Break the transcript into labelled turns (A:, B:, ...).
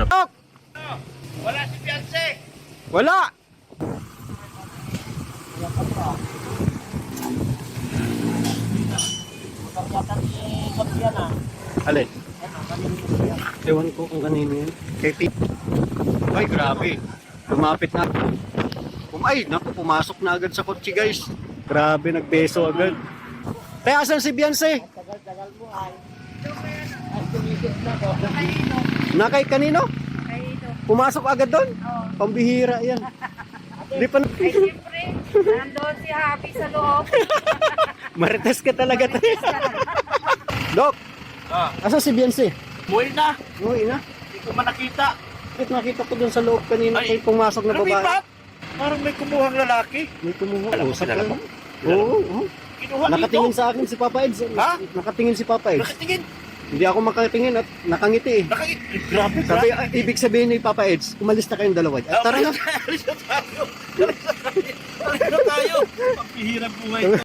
A: na.
B: Wala si Beyonce.
A: Wala! Alin? Ewan ko kung kanino yun. Kay Pete. Ay, grabe. Lumapit na. Ay, naku, pumasok na agad sa kotse, guys. Grabe, nagbeso agad. Kaya asan si Beyonce?
B: Tagal-tagal mo ay.
A: Nakay kanino? Pumasok agad doon?
C: Oo.
A: Pambihira yan. Di pa
C: Ay, siyempre, nandun si Happy sa loob.
A: Marites ka talaga tayo. Dok, asan si Beyonce?
B: Buhay na.
A: Uy na.
B: Hindi ko man nakita.
A: Bakit nakita ko doon sa loob kanina
B: Ay,
A: kay pumasok na babae?
B: Lumipat. Parang may kumuhang lalaki.
A: May kumuha.
B: Alam mo,
A: Usap
B: kilala
A: ka.
B: mo?
A: Oo, oo.
B: Kinuha
A: Nakatingin
B: dito.
A: sa akin si Papa Eds.
B: Ha?
A: Nakatingin si Papa Eds.
B: Nakatingin.
A: Hindi ako makatingin at nakangiti eh.
B: Grabe,
A: Sabi,
B: grabe.
A: ibig sabihin ni Papa Eds, umalis na kayong dalawa. Tara na.
B: Alis na tayo. Alis na tayo. Alis na tayo. Ang pihirang buhay.